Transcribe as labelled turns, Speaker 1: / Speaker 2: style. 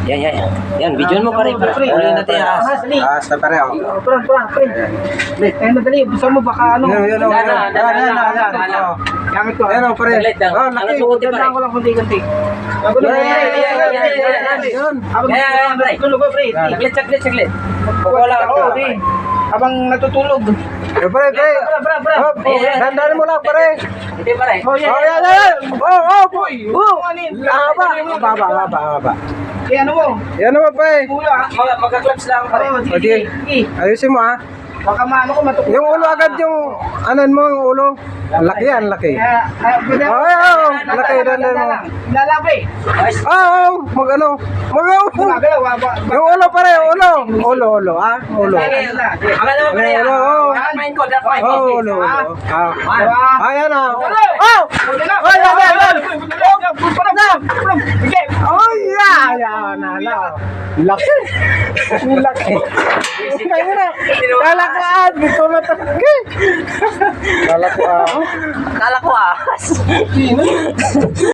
Speaker 1: Yan. Yan, video mo pare. Uli natin yung ahas.
Speaker 2: Sa pare, oh.
Speaker 3: Pre. Eh, madali. Gusto mo baka ano?
Speaker 2: Yan.
Speaker 3: Gamit ko.
Speaker 2: Yan, oh, pare.
Speaker 1: Saglit lang.
Speaker 2: Oh,
Speaker 1: Ang
Speaker 2: laki.
Speaker 1: sukuti pare.
Speaker 3: Ganda ko lang kunti-kunti.
Speaker 2: Yun.
Speaker 1: Yan, pre.
Speaker 3: Tulog ko, pre.
Speaker 1: Saglit. Wala
Speaker 3: Oo,
Speaker 1: ka.
Speaker 3: pre. Habang natutulog.
Speaker 2: Eh, pare.
Speaker 3: Bra.
Speaker 2: Oh, dandanin mo lang, pare.
Speaker 1: Hindi pare.
Speaker 3: Oh, yan.
Speaker 2: Oh, yan. Oh, boy.
Speaker 3: Ano
Speaker 2: Haba.
Speaker 3: Eh, ano mo?
Speaker 2: Yan naman, pare.
Speaker 3: Kuya.
Speaker 1: Magka-clubs lang pare.
Speaker 3: Oo,
Speaker 2: O, di.
Speaker 3: sige.
Speaker 2: Ayusin mo, ha.
Speaker 3: Baka maano ko matukod.
Speaker 2: Yung ulo agad yung, anan mo yung ulo. Ang laki yan, laki. Laki, dandan mo.
Speaker 3: Lalabi.
Speaker 2: Mag-ano.
Speaker 3: Gumagalaw.
Speaker 2: Yung ulo, pare, ulo, ha. Ulo.
Speaker 1: Ang alam mo pare. Dark mind ko.
Speaker 2: Ulo. Ayan, ha. Laki. Kalakaan. Dito na talaga.
Speaker 1: Akala ko ahas.